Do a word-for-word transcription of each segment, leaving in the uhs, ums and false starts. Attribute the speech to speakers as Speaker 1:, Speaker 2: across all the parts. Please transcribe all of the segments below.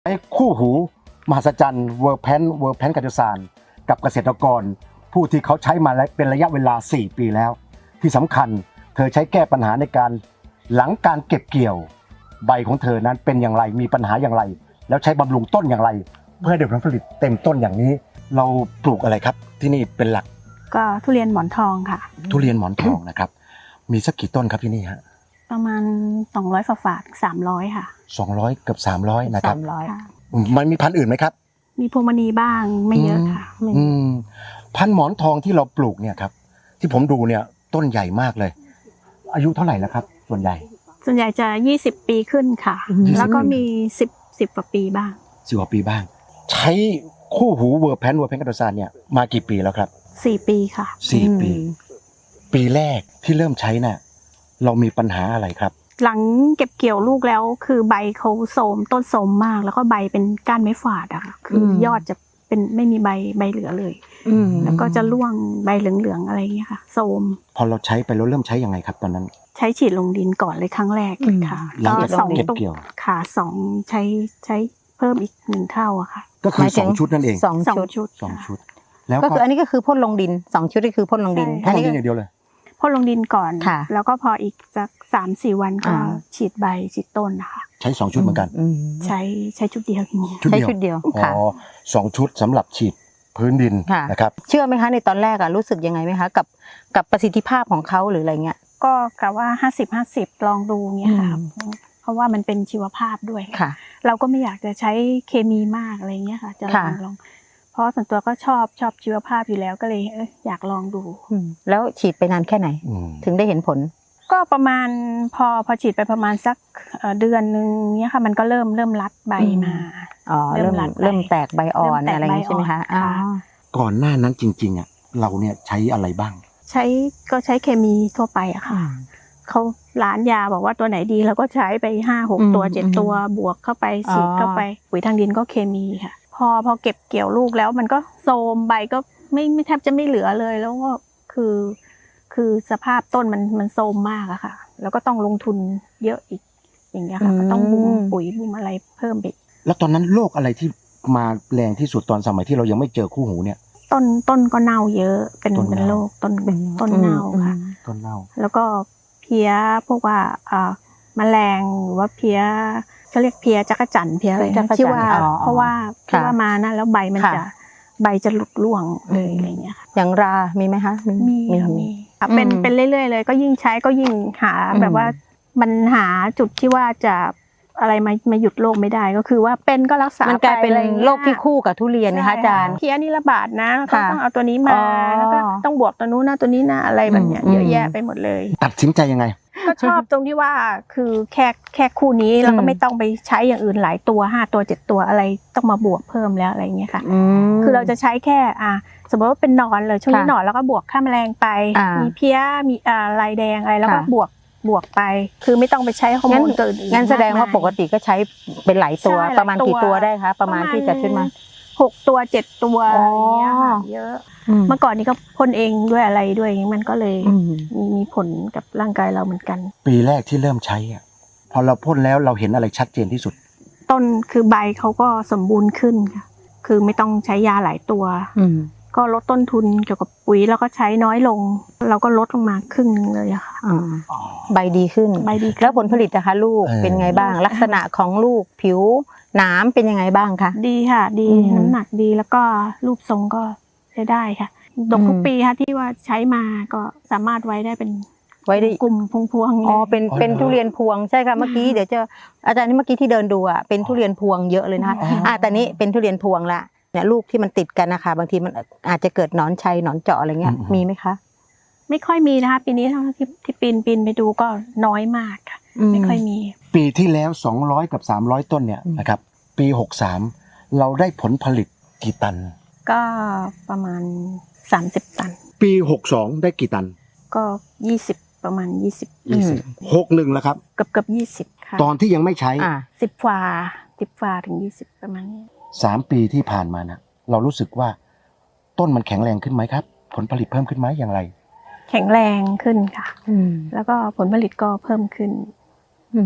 Speaker 1: ไอ้คู่หูมหัศจรรย์เวอร์แพนเวอร์แพนกัจจสานกับเกษตรกรผู้ที่เขาใช้มาเป็นระยะเวลาสี่ปีแล้วที่สำคัญเธอใช้แก้ปัญหาในการหลังการเก็บเกี่ยวใบของเธอนั้นเป็นอย่างไรมีปัญหาอย่างไรแล้วใช้บำรุงต้นอย่างไรเพื่อให้ได้ผลผลิตเต็มต้นอย่างนี้เราปลูกอะไรครับที่นี่เป็นหลัก
Speaker 2: ก็ทุเรียนหมอนทองค่ะ
Speaker 1: ทุเรียนหมอนทองนะครับมีสักกี่ต้นครับที่นี่ฮะ
Speaker 2: ประมาณสองร้อยฝาฝาดสามร้อยค่ะ
Speaker 1: สองร้อยเกือบสามร้อยนะครับ
Speaker 3: สามร้อย
Speaker 1: มันมีพันธุ์อื่นไหมครับ
Speaker 2: มีพวงมณีบ้างไม่เยอะค่ะ
Speaker 1: อืมพันธุ์หมอนทองที่เราปลูกเนี่ยครับที่ผมดูเนี่ยต้นใหญ่มากเลยอายุเท่าไหร่แล้วครับส่วนใหญ่
Speaker 2: ส่วนใหญ่จะยี่สิบปีขึ้นค่ะแล้วก็มีสิบ สิบกว่าปีบ้าง
Speaker 1: สิบกว่าปีบ้างใช้คู่หูเวอร์แพนเวอร์แพนกัจจสานเนี่ยมากี่ปีแล้วครับ
Speaker 2: สี่ปีค่ะ
Speaker 1: สี่ปีปีแรกที่เริ่มใช้น่ะเรามีปัญหาอะไรครับ
Speaker 2: หลังเก็บเกี่ยวลูกแล้วคือใบเขาโทรมต้นโทรมมากแล้วก็ใบเป็นก้านไม้ฝาดอะค่ะคือยอดจะเป็นไม่มีใบใบเหลือเลยแล้วก็จะร่วงใบเหลืองๆอะไรอย่างเงี้ยค่ะโทรม
Speaker 1: พอเราใช้ไปเราเริ่มใช้ยังไงครับตอนนั้น
Speaker 2: ใช้ฉีดลงดินก่อนเลยครั้งแรกค่ะ
Speaker 1: หลังจากเก็บเกี่ยว
Speaker 2: ค่ะสองใช้ใช้เพิ่มอีกหนึ่งเท่าอะค่ะ
Speaker 1: ก็คือสองชุดนั่นเอง
Speaker 3: สองชุด
Speaker 2: สอง
Speaker 1: ชุด
Speaker 3: แล้วก็คืออันนี้ก็คือพ่นลงดินสองชุดก็คือพ่นลงดิน
Speaker 1: พ่นลงดินอย่างเดียวเลย
Speaker 2: พ่นลงดินก่อนแล้วก็พออีกสักสามสี่วันก็ฉีดใบฉีดต้นนะคะ
Speaker 1: ใช้สองชุดเหมือนกัน
Speaker 2: ใช้ใช้ชุดเดียวอย่างนี้
Speaker 3: ใช้ชุดเดียว
Speaker 1: อ๋อสองชุดสำหรับฉีดพื้นดินนะครับ
Speaker 3: เชื่อไหมคะในตอนแรกอะรู้สึกยังไงไหมคะกับกับประสิทธิภาพของเขาหรืออะไรเงี้ย
Speaker 2: ก็กะว่าห้าสิบห้าสิบลองดูเงี้ยค่ะเพราะว่ามันเป็นชีวภาพด้วยเราก็ไม่อยากจะใช้เคมีมากอะไรเงี้ยค่ะจะลองลองเพราะส่วนตัวก็ชอบชอบชีวภาพอยู่แล้วก็เลยเอออยากลองดู
Speaker 3: แล้วฉีดไปนานแค่ไหนถึงได้เห็นผล
Speaker 2: ก็ประมาณพอพอฉีดไปประมาณสักเดือนนึงเนี้ยค่ะมันก็เริ่มเริ่มรัดใบมา
Speaker 3: อ๋อเริ่มเริ่มแตกใบอ่อนอะไรอย่างนี้ใช่ไหมคะ
Speaker 1: ก่อนหน้านั้นจริงๆอ่ะเราเนี่ยใช้อะไรบ้าง
Speaker 2: ใช้ก็ใช้เคมีทั่วไปอะค่ะเขาร้านยาบอกว่าตัวไหนดีเราก็ใช้ไปห้าหกตัวเจ็ดตัวบวกเข้าไปฉีดเข้าไปปุ๋ยทางดินก็เคมีค่ะพอพอเก็บเกี่ยวลูกแล้วมันก็โทรมใบก็ไม่ไม่แทบจะไม่เหลือเลยแล้วก็คือคือสภาพต้นมันมันโทรมมากอะค่ะแล้วก็ต้องลงทุนเยอะอีกอย่างเงี้ยค่ะก็ต้องบุ้มปุ๋ยบุ้มอะไรเพิ่มไป
Speaker 1: แล้วตอนนั้นโรคอะไรที่มาแรงที่สุดตอนสมัยที่เรายังไม่เจอคู่หูเนี่ย
Speaker 2: ต้นต้นก็เน่าเยอะเป็นเป็นโรคต้นต้นเน่าค่ะ
Speaker 1: ต้นเน่า
Speaker 2: แล้วก็เพี้ยพวกว่าอ่าแมลงหรือว่าเพี้ยเขาเรียกเพี้ยจักรจั่นเพี้ยอะไรที่ว่าเพราะว่าที่ว่ามานะแล้วใบมันจะใบจะหลุดร่วงเลยอะไรเงี้ยค่ะ
Speaker 3: อย่างรามีไหมคะ
Speaker 2: มีมีเป็นเป็นเรื่อยๆเลยก็ยิ่งใช้ก็ยิ่งหาแบบว่ามันหาจุดที่ว่าจะอะไรมามาหยุดโรคไม่ได้ก็คือว่าเป็นก็รักษา
Speaker 3: มันกลายเป็นโรคที่คู่กับทุเรียนนะคะอาจารย์
Speaker 2: เพี้ยนี่ระบาดนะก็ต้องเอาตัวนี้มาแล้วก็ต้องบวกตัวนู้นนะตัวนี้นะอะไรแบบเนี้ยเยอะแยะไปหมดเลย
Speaker 1: ตัดสินใจยังไง
Speaker 2: ก็ชอบตรงที่ว่าคือแค่แค่คู่นี้เราก็ไม่ต้องไปใช้อย่างอื่นหลายตัวห้าตัวเจ็ดตัวอะไรต้องมาบวกเพิ่มแล้วอะไรเงี้ยค่ะคือเราจะใช้แค่อ่าสมมติว่าเป็นหนอนเลยช่วงนี้หนอนแล้วก็บวกฆ่าแมลงไปมีเพี้ยมีอ่าลายแดงอะไรแล้วก็บวกบวกไปคือไม่ต้องไปใช้ฮอร์โมนตัวอื่น
Speaker 3: งั้นแสดงว่าปกติก็ใช้เป็นหลายตัวประมาณกี่ตัวได้คะประมาณที่จะขึ้นมา
Speaker 2: หกตัวเจ็ดตัวอะไรเงี้ยค่ะเยอะเมื่อก่อนนี้ก็พ่นเองด้วยอะไรด้วยมันก็เลยมีมีผลกับร่างกายเราเหมือนกัน
Speaker 1: ปีแรกที่เริ่มใช้อ่ะพอเราพ่นแล้วเราเห็นอะไรชัดเจนที่สุด
Speaker 2: ต้นคือใบเขาก็สมบูรณ์ขึ้นค่ะคือไม่ต้องใช้ยาหลายตัวก็ลดต้นทุนเกี่ยวกับปุ๋ยแล้วก็ใช้น้อยลงเราก็ลดลงมาครึ่งนึงเลยอะค่ะ
Speaker 3: ใบดีขึ้น
Speaker 2: ใบดี
Speaker 3: แล้วผลผลิตนะคะลูกเป็นไงบ้างลักษณะของลูกผิวหนามเป็นยังไงบ้างคะ
Speaker 2: ดีค่ะดีน้ำหนักดีแล้วก็รูปทรงก็ใช้ได้ค่ะดกทุกปีค่ะที่ว่าใช้มาก็สามารถไว้ได้เป็น
Speaker 3: ไว้ได้
Speaker 2: กลุ่มพวงๆ
Speaker 3: อ๋อเป็นเป็นทุเรียนพวงใช่ค่ะเมื่อกี้เดี๋ยวจะอาจารย์นี่เมื่อกี้ที่เดินดูอ่ะเป็นทุเรียนพวงเยอะเลยนะคะอ่าแต่นี้เป็นทุเรียนพวงละเนี่ยลูกที่มันติดกันนะคะบางทีมันอาจจะเกิดหนอนชัยหนอนเจาะอะไรเงี้ยมีไหมคะ
Speaker 2: ไม่ค่อยมีนะคะปีนี้เท่าที่ที่ปีนปีนไปดูก็น้อยมากค่ะไม่ค่อยมี
Speaker 1: ปีที่แล้วสองร้อยกับสามร้อยต้นเนี่ยนะครับปีหกสามเราได้ผลผลิตกี่ตัน
Speaker 2: ก็ประมาณสามสิบตัน
Speaker 1: ปีหกสองได้กี่ตัน
Speaker 2: ก็ยี่สิบประมาณยี่สิบ
Speaker 1: ยี่สิบ หกสิบแล้วครับ
Speaker 2: เกือบเกือบยี่สิบค่ะ
Speaker 1: ตอนที่ยังไม่ใช้
Speaker 2: สิบฝ่าสิบฝ่าถึงยี่สิบประมาณนี้
Speaker 1: สามปีที่ผ่านมานะเรารู้สึกว่าต้นมันแข็งแรงขึ้นไหมครับผลผลิตเพิ่มขึ้นไหมอย่างไร
Speaker 2: แข็งแรงขึ้นค่ะแล้วก็ผลผลิตก็เพิ่มขึ้น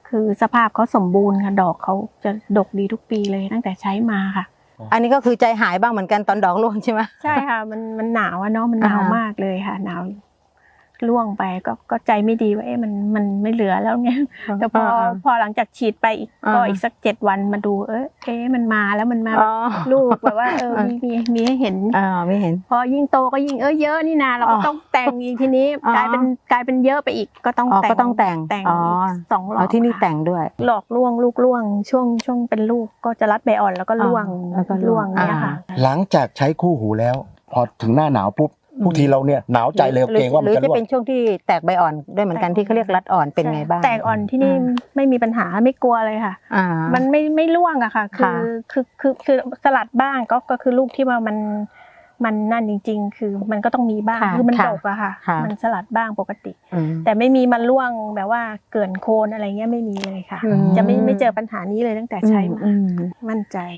Speaker 2: คือสภาพเขาสมบูรณ์ค่ะดอกเขาจะดกดีทุกปีเลยตั้งแต่ใช้มาค่ะ
Speaker 3: อันนี้ก็คือใจหายบ้างเหมือนกันตอนดอกร่วงใช่ไหม
Speaker 2: ใช่ค่ะมันมันหนาวอะเนาะมันหนาว
Speaker 3: อ่าฮะ
Speaker 2: มากเลยค่ะหนาวร่วงไปก็ก็ใจไม่ดีว่าเอ๊ะมันมันไม่เหลือแล้วไงแต่พอพอหลังจากฉีดไปอีกก็อีกสักเจ็ดวันมาดูเอ๊ะเอ๊ะมันมาแล้วมันมา
Speaker 3: อ๋อ
Speaker 2: ลูกแบบว่าเออมีมีมีให้เห็น
Speaker 3: อ่าไม่เห็น
Speaker 2: พอยิ่งโตก็ยิ่งเออเยอะนี่นาเราก็
Speaker 3: อ๋อ
Speaker 2: ต้องแต่งอีกทีนี้
Speaker 3: อ๋อก
Speaker 2: ลายเป็นกลายเป็นเยอะไปอีกก็ต้อง
Speaker 3: อ๋อ
Speaker 2: แต่ง
Speaker 3: ก็ต้องแต่ง
Speaker 2: แต่ง
Speaker 3: อ๋อ
Speaker 2: อีกสองรอบ
Speaker 3: เอาที่นี่
Speaker 2: ค่ะ
Speaker 3: แต่งด้วย
Speaker 2: หลอกล่วงลูกล่วงช่วงช่วงเป็นลูกก็จะรัดใบอ่อนแล้วก็ล่วง
Speaker 3: อ่าแล้วก็ล่วง
Speaker 2: เนี่ยค่ะ
Speaker 1: หลังจากใช้คู่หูแล้ว พอถึงหน้าหนาวปุ๊บ
Speaker 3: อืม
Speaker 1: ทุกทีเราเนี่ยหนาวใจเลย
Speaker 3: หรือ
Speaker 1: เกรงว่า
Speaker 3: ห
Speaker 1: มั
Speaker 3: รื
Speaker 1: น
Speaker 3: อ
Speaker 1: จะ
Speaker 3: จะ
Speaker 1: ร่ว
Speaker 3: เป็
Speaker 1: ง
Speaker 3: นช่วงที่แตกใบอ่อนด้วยเหมือนกันที่เขาเรียกรัดอ่อนเป็นไงบ้าง
Speaker 2: แตกอ่อนที่นี่
Speaker 3: อืม
Speaker 2: ไม่มีปัญหาไม่กลัวเลยค่ะ
Speaker 3: อ่า
Speaker 2: มันไม่ไม่ร่วงอะค่ะ คื
Speaker 3: ค่ะ
Speaker 2: อคือคือคือสลัดบ้างก็ก็คือลูกที่ว่ามันมันนั่นจริง ๆ คือมันก็ต้องมีบ้าง
Speaker 3: ค่ะ
Speaker 2: คือมัน
Speaker 3: ค่ะ
Speaker 2: ดกอะค่ะ
Speaker 3: ค่ะ
Speaker 2: มันสลัดบ้างปกติ
Speaker 3: อืม
Speaker 2: แต่ไม่มีมันร่วงแบบว่าเกินโคนอะไรเงี้ยไม่มีเลยค่ะ
Speaker 3: อืม
Speaker 2: จะไม่ไม่เจอปัญหานี้เลยตั้งแต่ใช้มา
Speaker 3: อืม
Speaker 2: มั่นใจ